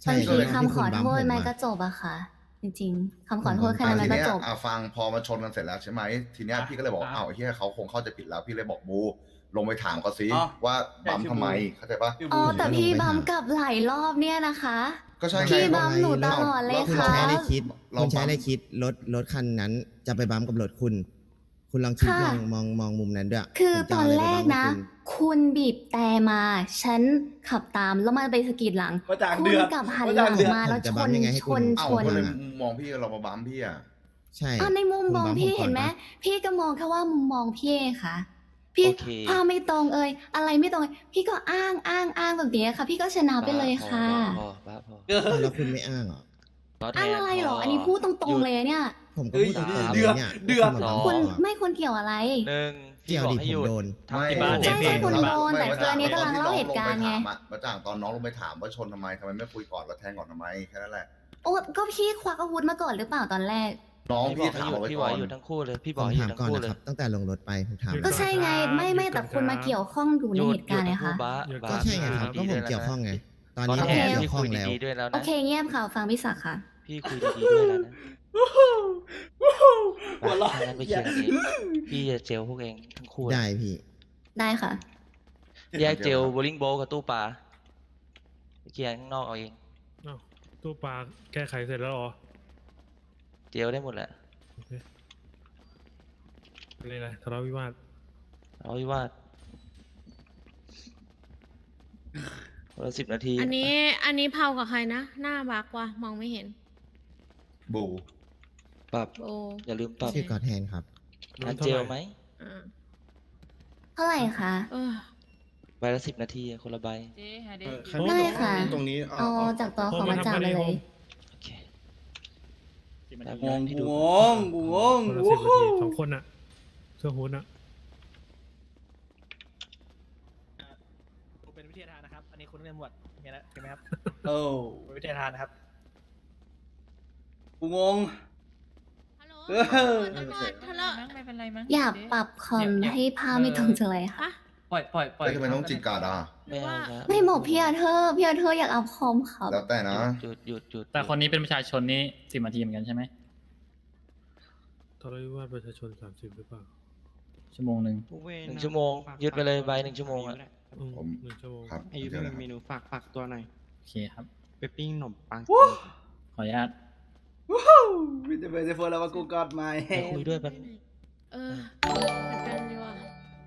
Speaker 8: ใช่
Speaker 3: บาง
Speaker 8: ก็
Speaker 3: ที
Speaker 8: เลย
Speaker 3: คำขอโทษ
Speaker 8: ที่คุณบัมผม
Speaker 3: มัน
Speaker 8: อะ
Speaker 3: ก็จบอะค่ะ จริงๆคำขอโทษ
Speaker 8: ผม
Speaker 3: แค่
Speaker 9: อ่ะ
Speaker 3: นั้นมั
Speaker 9: ที
Speaker 3: นก็
Speaker 9: เนี้ย
Speaker 3: จบ
Speaker 9: อ่ะฟังพอมาชนกันเสร็จแล้วใช่ไหมทีเนี้ยพี่ก็เลยบอกอ้าวไอ้เหี้ยเขาคงเข้าใจผิดแล้ว พี่เลยบอกบูลงไปถามเขาสิ
Speaker 1: อ๋อ
Speaker 9: ว่า
Speaker 1: ใช่
Speaker 9: บัม
Speaker 1: ชื่อ
Speaker 9: ทำไม
Speaker 1: บู
Speaker 9: เข้าใจปะ
Speaker 1: ชื่อ
Speaker 3: อ๋
Speaker 1: บู
Speaker 3: อ
Speaker 1: ม
Speaker 3: แต่พี่
Speaker 8: ผมก็ลงไป
Speaker 3: บัม
Speaker 8: หา
Speaker 3: กลับหลายรอบเนี่ยนะคะ
Speaker 9: ก็ใช่
Speaker 3: พี่
Speaker 9: ไง
Speaker 3: บัมหนูตลอดเลย
Speaker 8: คุณ
Speaker 3: ค่ะ
Speaker 8: ใช้อะไรคิด
Speaker 9: เรา
Speaker 8: คุณใช้อะไร
Speaker 9: บัม
Speaker 8: คิดรถรถคันนั้น จะไปบัมกับรถคุณ คุณลองคิด
Speaker 3: ค่ะ
Speaker 8: มองมองมองมุมนั้นด้วย
Speaker 3: คือ
Speaker 8: ผม
Speaker 3: ต
Speaker 8: จะ
Speaker 3: อ
Speaker 8: เาน อะไร
Speaker 3: แร
Speaker 8: ไปบั
Speaker 3: ก
Speaker 8: มกับ
Speaker 3: นะ
Speaker 8: คุณ
Speaker 3: คุณบีบแต่มา ฉันขับตามแล้วมันไปสะกิดหลัง
Speaker 1: ประจาง
Speaker 3: คุ
Speaker 1: เดื
Speaker 3: ณ
Speaker 1: อด
Speaker 3: กลับหัน
Speaker 1: ประ
Speaker 3: ห
Speaker 1: จา
Speaker 3: ลั
Speaker 1: ง
Speaker 3: ง
Speaker 1: เดือด
Speaker 3: มาแล้ว
Speaker 8: ผมจะ
Speaker 3: ช
Speaker 8: บัม
Speaker 3: น
Speaker 8: ยังไงให้
Speaker 3: ช
Speaker 8: คุณ
Speaker 3: น
Speaker 9: เอ้า
Speaker 3: ชน
Speaker 9: ก็เลย
Speaker 8: อะ
Speaker 9: มองพี่เรามาบัมพี่อ่ะ
Speaker 8: ใช่
Speaker 3: อ่ะในมุม
Speaker 8: คุณ
Speaker 3: มอง
Speaker 8: บัม
Speaker 3: พี่
Speaker 8: ผมก่
Speaker 3: เห็
Speaker 8: อน
Speaker 3: นไหม
Speaker 8: ปะ
Speaker 3: พี่ก็มองแค่ว่ามุมมองพี่เองค่ะ พี่
Speaker 4: โอเค
Speaker 3: ภาพไม่ตรงเอ่ยอะไรไม่ตรง พี่ก็อ้างอ้างอ้างแบบนี้ค่ะ พี่ก็ชนะไปเลยค่ะ
Speaker 4: พอบ้าพอ
Speaker 1: เออ
Speaker 8: อ้าวแล้วคุณไม่อ้างเหรอ
Speaker 4: ล้อแท
Speaker 3: อ้าง
Speaker 4: น
Speaker 3: อะไรเหรอ
Speaker 4: พ
Speaker 3: อันนี้พูดตรงๆเลยเนี่ย
Speaker 8: ผมก็
Speaker 1: เอ้ย
Speaker 8: พูดตรงๆ
Speaker 1: เดื
Speaker 8: เล
Speaker 1: อด
Speaker 8: ยเนี่ย
Speaker 1: เดือด
Speaker 8: ว่า
Speaker 3: คุณ
Speaker 8: ณมาบัมผมอะ
Speaker 3: ไม่ควรเกี่ยวอะไร
Speaker 4: หนึ่ง
Speaker 8: เกี่
Speaker 4: พี่
Speaker 8: ยว
Speaker 4: บอก
Speaker 8: ดิ
Speaker 4: ให้
Speaker 8: ผ
Speaker 4: ห
Speaker 8: ม
Speaker 4: ยุด
Speaker 8: โดน
Speaker 4: ทำ
Speaker 9: ไม่
Speaker 4: ที่
Speaker 3: ใช่
Speaker 4: บ้าน
Speaker 3: ใช่
Speaker 4: เนี่ย
Speaker 3: คุณ
Speaker 4: พี่
Speaker 3: โดน แต่
Speaker 9: ไม่
Speaker 3: คืออันนี้กำลังเล่าเหตุการณ์ไง
Speaker 9: ประจ่างตอนน้องลงไปถามว่าชนทำไมทำไมไม่คุยก่อนแล้วแทงก่อนทำไมแค่นั้นแหละ
Speaker 3: โอ้ก็พี่ควักอาวุธมาก่อนหรือเปล่าตอนแรก
Speaker 9: น้อง
Speaker 4: พี่บ
Speaker 9: พี่
Speaker 4: อกให้
Speaker 9: ถาม
Speaker 4: หยุด
Speaker 9: เอาไว้
Speaker 4: พี่บอ
Speaker 9: ก่อน
Speaker 4: กให้หยุดทั้งคู่เลย พี่บ
Speaker 8: ผ
Speaker 4: อก
Speaker 8: ม
Speaker 4: ให้หยุ
Speaker 8: ถา
Speaker 4: ด
Speaker 8: ม
Speaker 4: ทั้ง
Speaker 8: ก่อน
Speaker 4: คู่
Speaker 8: นะ
Speaker 4: เล
Speaker 8: ค
Speaker 4: ย
Speaker 8: รับ ตั้งแต่ลงรถไปผมถาม
Speaker 3: ก็ใช่ไง ไม่ไม่แต่คุณมาเกี่ยวข้องอยู่ใน
Speaker 4: หยุ
Speaker 3: เห
Speaker 4: ด
Speaker 3: ตุการณ์
Speaker 4: หยุ
Speaker 3: ไง
Speaker 4: ดทั้งคู่
Speaker 3: คะ
Speaker 4: บ้า
Speaker 7: หยุด
Speaker 4: บ้า
Speaker 8: ก็ใช่ไงครับ
Speaker 4: พี่
Speaker 8: ก็
Speaker 4: คุ
Speaker 8: ผม
Speaker 4: ดีๆ
Speaker 8: เกี่ยวข้องไง ตอน
Speaker 4: ตอน
Speaker 8: นี้
Speaker 4: นี้
Speaker 8: ผม
Speaker 3: โอเค
Speaker 8: เกี่ยวข้อง
Speaker 4: พี่คุย
Speaker 8: แล้ว
Speaker 4: ดีๆด้วยแล้ว
Speaker 3: โอ
Speaker 4: นะ
Speaker 3: เคเงียบค่ะฟังพี่ศักดิ์ค่ะ
Speaker 4: พี่คุยดีๆด้วยแล้วนะ
Speaker 1: หัวเราะ
Speaker 4: ถ้างั้นไปเคลียร์กันเองพี่จะเจลพวกเองทั้งคู่
Speaker 8: ได้พี่
Speaker 3: ได้ค่ะ
Speaker 4: แยกเจลโบลิ่งโบกับตู้ปลาไปเคลียร์ข้างนอกเอาเอง
Speaker 7: อ้าวตู้ปลาแก้ไขเสร็จแล้วเหรอ
Speaker 4: เจลได้หมดแหละ
Speaker 7: โอเคเป็นไรทะเลาะวิวาท
Speaker 4: เอาไว้ว่าคนละสิบนาที
Speaker 10: อันนี้อันนี้เผากับใครนะ หน้าบักว่ะมองไม่เห็น
Speaker 9: บู
Speaker 4: ปรับ
Speaker 10: โบ
Speaker 4: อย่าลืมปรับ
Speaker 8: ชื่อกอแทนครับ
Speaker 4: อันเจลไหม
Speaker 10: อ่า
Speaker 3: เท่าไหร่คะ
Speaker 10: เออ
Speaker 4: ใบละสิบนาทีอะคนละใบ
Speaker 3: ได้ค่ะ
Speaker 2: ตรงนี้
Speaker 3: เอาจากตัวของมาจ่าไปเลย
Speaker 4: โอเค
Speaker 1: งงกูงงกูงง
Speaker 7: คนละ
Speaker 1: โอ้
Speaker 7: สิบ
Speaker 1: โห
Speaker 7: นาทีสองคนอะเสื้อฮู้ดอะ
Speaker 5: เป็นวิทยาทานนะครับ อันนี้คุณนักเรียนหมวดมีอะไรใช่ไหมครับ
Speaker 1: เออ
Speaker 5: เป็นวิทยาทานนะครับ
Speaker 1: กูงง
Speaker 10: ฮัลโหล
Speaker 1: เออ
Speaker 10: ตำรวจทะเลาะ
Speaker 11: ไม่เป็นไรมั้ง
Speaker 3: อย่าปรับคอมให้ภาพไม่ตรงจังเลยค่ะ
Speaker 10: ปะ
Speaker 11: ปล่อยปล่อยปล่อย
Speaker 9: แล้วทำไมต้องจิกกาดอ่ะ
Speaker 10: หรือว่า
Speaker 4: ไม่เอาครับ
Speaker 3: ไม่บอกพี่อาเธอร์พี่อาเธอร์อยากเอาคอมครับ
Speaker 9: แล้วแต่นะ
Speaker 4: หยุดหยุดหยุด
Speaker 11: แต่คนนี้เป็นประชาชนนี่สิบนาทีเหมือนกันใช่ไหม
Speaker 7: ทะเลาะวิวาทประชาชนสามสิบหรือเปล่า
Speaker 11: ชั่วโมงหนึ่ง
Speaker 4: หนึ่งชั่วโมงยึดไปเลยใบหนึ่งชั่วโมงอะ
Speaker 7: อืม
Speaker 9: ผม
Speaker 7: หนึ่งชั่วโมง
Speaker 9: ครับ
Speaker 12: อายุ
Speaker 9: เดี๋ยว
Speaker 12: มี
Speaker 9: นะครับ
Speaker 12: เมนูฝากฝากตัวหน่อย
Speaker 11: โอเคครับ
Speaker 12: ไปปิ้งขนมปัง
Speaker 1: วู้
Speaker 11: ขออนุญาต
Speaker 1: วู้ฮู้วิจะเป็นเซฟแล้วว่ากูกอดไม่
Speaker 4: ไปคุยด้วยแป๊บ
Speaker 10: เออเหมือนกันดีว่ะ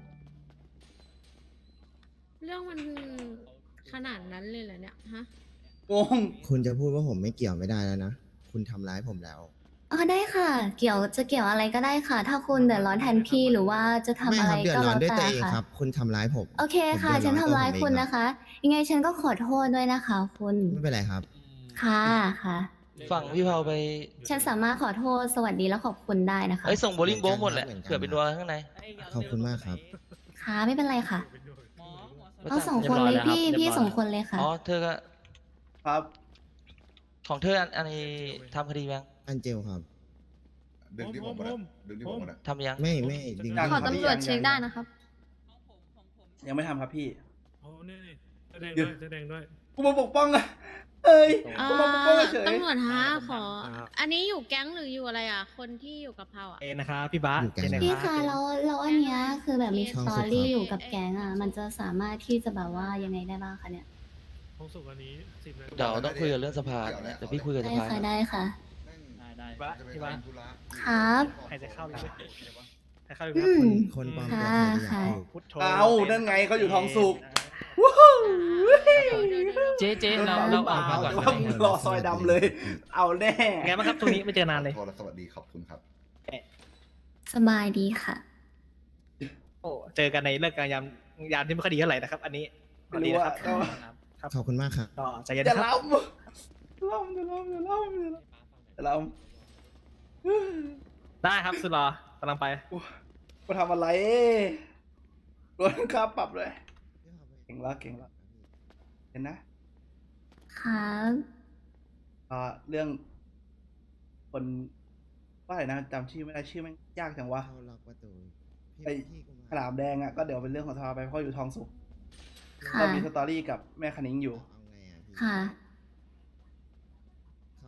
Speaker 10: เรื่องมันขนาดนั้นเลยเหรอเนี่ยฮะ
Speaker 1: งง
Speaker 8: คุณจะพูดว่าผมไม่เกี่ยวไม่ได้แล้วนะ คุณทำร้ายผมแล้ว
Speaker 3: อ๋อได้ค่ะ เกี่ยวจะเกี่ยวอะไรก็ได้ค่ะ ถ้าคุณเดือดร้อนแทนพี่หรือว่าจะทำ
Speaker 8: ไม่
Speaker 3: อะ
Speaker 8: ค
Speaker 3: ไร
Speaker 8: รับเดือด
Speaker 3: ก็
Speaker 8: ร้อ
Speaker 3: แล้
Speaker 8: น
Speaker 3: ว
Speaker 8: ด้วย
Speaker 3: แต่
Speaker 8: ตัวเอง
Speaker 3: ค่ะ
Speaker 8: ครับ คุณทำร้ายผม
Speaker 3: โอเคค่ะ
Speaker 8: ผม
Speaker 3: ฉัน
Speaker 8: เดือด
Speaker 3: ทำ
Speaker 8: ร้อน
Speaker 3: ร้าย
Speaker 8: ตัวผม
Speaker 3: คุณ
Speaker 8: เอง
Speaker 3: นะคะ ยังไงฉันก็ขอโทษด้วยนะคะ คุณ
Speaker 8: ไม่เป็นไรครับ
Speaker 3: ค่ะค่ะ
Speaker 4: ฝั่งพี่เผาไป
Speaker 3: ฉันสามารถขอโทษสวัสดีและขอบคุณได้นะคะ
Speaker 4: เอ้ยส่งโบลิ่งโบหมดแหละ
Speaker 8: เหมือนกัน
Speaker 4: เผื่อเป็นดัวข้างใน
Speaker 8: ขอบคุณมากครับ
Speaker 3: ค่ะไม่เป็นไรค่ะ
Speaker 11: หมอหมอ
Speaker 3: เอาสองคนเลยพี่พี่สองคนเลยค่ะ
Speaker 4: อ๋อเธอก็
Speaker 1: ครับ
Speaker 4: ของเธออันอันนี้ทำคดียัง
Speaker 8: อันเจลครับ
Speaker 9: ดึงที่ผมมานะดึงที่ผมมานะ
Speaker 4: ทำยัง
Speaker 8: ไม่ไม่ดึง
Speaker 1: ยัง
Speaker 10: ขอตำรวจเช็คได้นะครับ
Speaker 1: ยังไม่ทำครับพี่
Speaker 7: โอ้นี่นี่แสดงด้วยแสดงด้วย
Speaker 1: กูมาปกป้องอะเอ้ย
Speaker 10: อ่า
Speaker 1: กูมาปกป้องเฉย
Speaker 10: ตำรวจฮะขอ อันนี้อยู่แก๊งหรืออยู่อะไรอ่ะ คนที่อยู่กับเผาอ่ะ
Speaker 5: เอนะครับพี่บ้า
Speaker 8: อยู่แก๊ง
Speaker 5: เจนนะ
Speaker 3: พี่
Speaker 5: รับ
Speaker 3: คะแล้วแล้วอันเนี้ยคือแบบมีส
Speaker 8: ช่อง
Speaker 3: ตอ
Speaker 8: สุด
Speaker 3: รี่
Speaker 8: ครับ
Speaker 3: อยู่กับแก๊งอ่ะ มันจะสามารถที่จะแบบว่ายังไงได้บ้างคะเนี่ย
Speaker 7: ห้องสุกอันนี้สิบนาที
Speaker 4: เดี๋ยวต้องคุยกับเรื่องสภาเดี๋ยวพี่คุยกับส
Speaker 3: ได้
Speaker 4: ภา
Speaker 3: ค่ะได้ค่ะ
Speaker 11: ได้ได้
Speaker 5: พี่บ้าพี่บ้า
Speaker 3: ครับ
Speaker 5: ใครจะเข้าเลยใครเข้าเลย
Speaker 3: อื
Speaker 5: ครับ
Speaker 3: ม
Speaker 8: คนปลอม
Speaker 3: ค่ะ
Speaker 8: ตัวใครจะอยาก
Speaker 3: ค่ะ
Speaker 8: ถูก
Speaker 5: พุทโธ
Speaker 1: เอานั่นไงเขาอยู่ทองสุก
Speaker 11: เจ๊เจ๊เราเราออกมาก่อน
Speaker 1: ว่ามึงรอซอยดำเลย เอาแน่
Speaker 5: ไงบ้างครับตรงนี้ไม่เจอนานเลย
Speaker 9: ขอโทษและสวัสดีขอบคุณครับ
Speaker 3: สบายดีค่ะ
Speaker 5: โอ้เจอกันในเลิกการยามยามที่ไม่ค่อยดีเท่าไหร่นะครับ อันนี้สวัสดีนะครับ
Speaker 1: ไม่รู้อะ
Speaker 5: ครับ
Speaker 8: ขอบคุณมากครับ
Speaker 5: ก็ใจเย็น
Speaker 1: อย่า
Speaker 5: นะครับ
Speaker 1: ล้ำอย่าล้ำอย่าล้ำอย่าล้ำอย่าล้ำ
Speaker 5: ได้ครับสุดรอกำลังไป
Speaker 1: มาทำอะไรโดนค่าปรับเลยเก่งละเก่งละเห็นนะครับ อ่าเรื่อง คนว่าอะไรนะจำชื่อไม่ได้ชื่อแม่งยากจังวะ
Speaker 8: เข้าล็อกประตูพี่
Speaker 1: ไอ้
Speaker 8: พี่กุม
Speaker 1: ขลามแดงอ่ะก็เดี๋ยวเป็นเรื่องของทาไปเพราะอยู่ทองสุก
Speaker 3: ค่ะ
Speaker 1: เรามีสตอรี่กับแม่คณิ้งอยู่
Speaker 8: เอาไงอ่ะพี่
Speaker 3: ค่ะ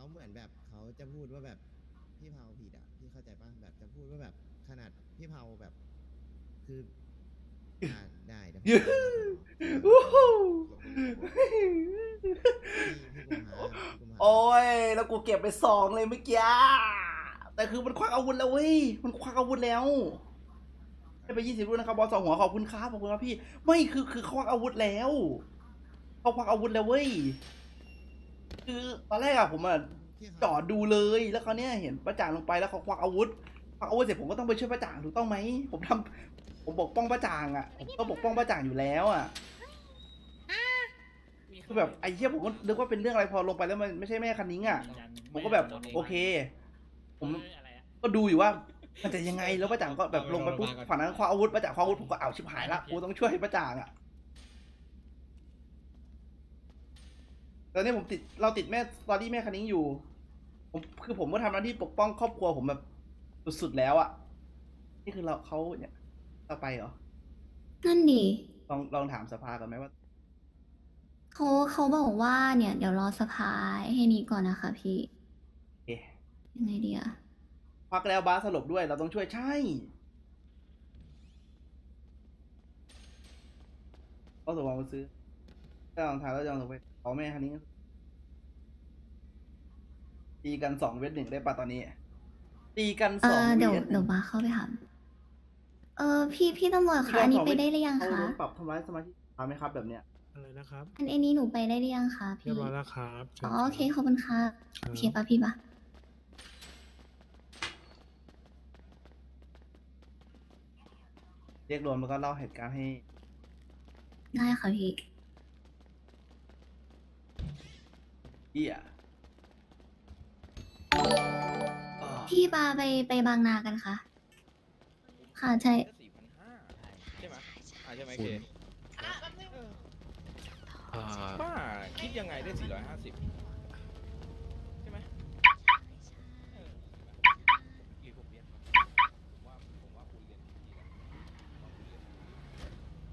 Speaker 8: เหมือนแบบเขาจะพูดว่าแบบพี่เผาผิดอ่ะพี่เข้าใจป่ะแบบจะพูดว่าแบบขนาดพี่เผาแบบคืออ่าได้เดี๋ยวผม
Speaker 1: อู้หู
Speaker 8: พี่พี่กุมภาพี่กุมภา
Speaker 1: โอ้ยแล้วกูเก็บไปสองเลยเมื่อกี้แต่คือมันควักอาวุธแล้วเว้ยมันควักอาวุธแล้วให้ไปยี่สิบรุ่นนะครับบอสสองหัวขอบคุณครับขอบคุณครับพี่ไม่คือคือเขาควักอาวุธแล้วเขาควักอาวุธแล้วเว้ยคือตอนแรกอะผมอะ
Speaker 8: พี่ครับ
Speaker 1: จอดดูเลยแล้วเขาวเนี่ยเห็นป้าจ่างลงไปแล้วเขาควักอาวุธควักอาวุธเสร็จผมก็ต้องไปช่วยป้าจ่างถูกต้องไหมผมทำผมปกป้องป้าจ่างอะผมก็ปกป้องป้าจ่างอยู่แล้วอะคือแบบไอ้เหี้ยผมก็นึกว่าเป็นเรื่องอะไรพอลงไปแล้วมันไม่ใช่แม่คันนิ้งอะผมก็แบบโอเค ผมก็ดูอยู่ว่ามันจะยังไงแล้วป้าจ่างก็แบบลงไปปุ๊บฝั่งนั้นคว้าอาวุธป้าจ่างคว้าอาวุธผมก็เอาชิบหายละกูต้องช่วยป้าจ่างอะตอนนี้ผมติดเราติดแม่ตอนที่แม่คันนิ้งอยู่ผมคือผมก็ทำหน้าที่ปกป้องครอบครัวผมแบบสุดๆแล้วอะนี่คือเราเขาเนี่ยเราไปเหรอ
Speaker 3: นั่นดิ
Speaker 1: ลองลองถามสภาก่อนไหมว่า
Speaker 3: เขาเขาบอกว่าเนี่ย เดี๋ยวรอสภาให้นี้ก่อนนะคะพี่
Speaker 1: เอ๊ะ
Speaker 3: ยังไงดีอะ
Speaker 1: ควักแล้วบาสสลบด้วยเราต้องช่วยใช่ก็สมมติว่าซื้อถ้าลองทานแล้วจะลองไปขอแม่คันนี้ตีกันสองเวทหนึ่งได้ปะตอนนี้ ตีกัน
Speaker 3: เอ
Speaker 1: สอง
Speaker 3: อเดี๋ยว
Speaker 1: เวทห
Speaker 3: เดี๋
Speaker 1: นึ่
Speaker 3: ยว
Speaker 1: ง
Speaker 3: บาเข้าไปถามเออพี่พี่ตำรวจคะอันนี้ไปได้หรือยัง
Speaker 1: เขา
Speaker 3: คะ
Speaker 1: โดนปรับทำร้ายสมาชิกสภาไหมครับแบบเนี้ย
Speaker 7: อะไรนะครับ
Speaker 3: อันอันนี้หนูไปได้หรือยังคะ
Speaker 7: เรี
Speaker 3: พี่
Speaker 7: ยบร้อยแล้วครับชิญ
Speaker 3: อ๋อโอเค
Speaker 7: รับ
Speaker 3: ขอบคุณค่ะ
Speaker 7: ครับ
Speaker 3: โอเคปะพี่ปะ
Speaker 1: เรียกรวมแล้วก็เล่าเหตุการณ์ให้
Speaker 3: ได้ค่ะพี่
Speaker 1: เหี้ยอ่า
Speaker 3: พี่ปาไปไปบางนากันคะค่ะใช่
Speaker 5: สี่พันห้าใช่ไหมอ่าใช่ไหมเค
Speaker 7: อ่า
Speaker 5: บ้าคิดยังไงได้สี่ร้อยห้าสิบ